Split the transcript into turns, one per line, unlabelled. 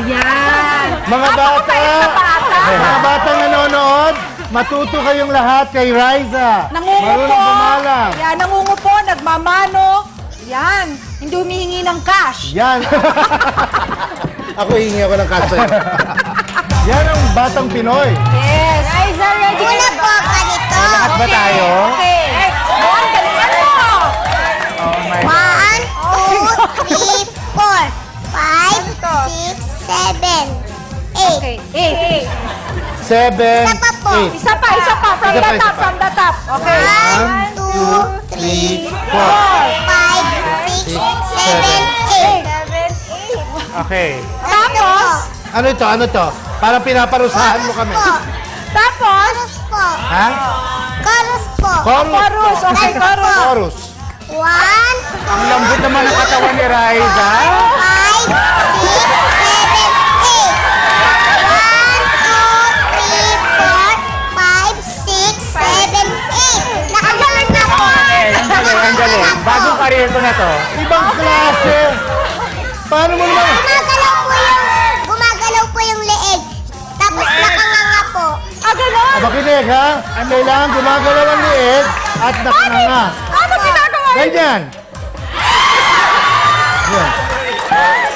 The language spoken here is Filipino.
Yan.
Mga bata, mga batang nanonood, matuto kayong lahat kay Riza.
Nangungupo.
Marunong bumalang.
Yan, nangungupo, nagmamano. Yan, hindi humihingi ng cash.
Yan. Ako hihingi ako ng kaso. Yan ang batang Pinoy.
Yes. Riza, ready
Una po, ganito.
Lahat ba tayo?
Okay. Bon, galingan mo.
Oh my
1, 2, 3, 4, 5, 6, 7, 8.
Okay, 8.
7,
Isa pa po.
8.
Isa pa, from
Isa
the
pa, isa
top,
pa.
from the top. Okay.
1, 2, 3, 4, 5, 6, 7, 8.
Okay.
Tapos,
Ano ito? Ano ito? Parang pinaparusahan mo kami.
tapos,
Chorus po.
Ha?
Chorus po.
chorus. Okay, chorus.
Chorus.
1,
Ang lambot naman ng katawan ni Riza.
5, 6, 7, 8. 1, 2, 3, 4, 5, 6, 7, 8. Nakagalan na po.
Ang galing. Bagong karir ko na to. Ibang klase. Paano mo naman?
Gumagalaw po yung leeg. Tapos nakanganga po.
Ganon.
Makinig ha. Kailangan gumagalaw ang liig at nakanganga.
Ano ginagawa?
Ganyan. Yan.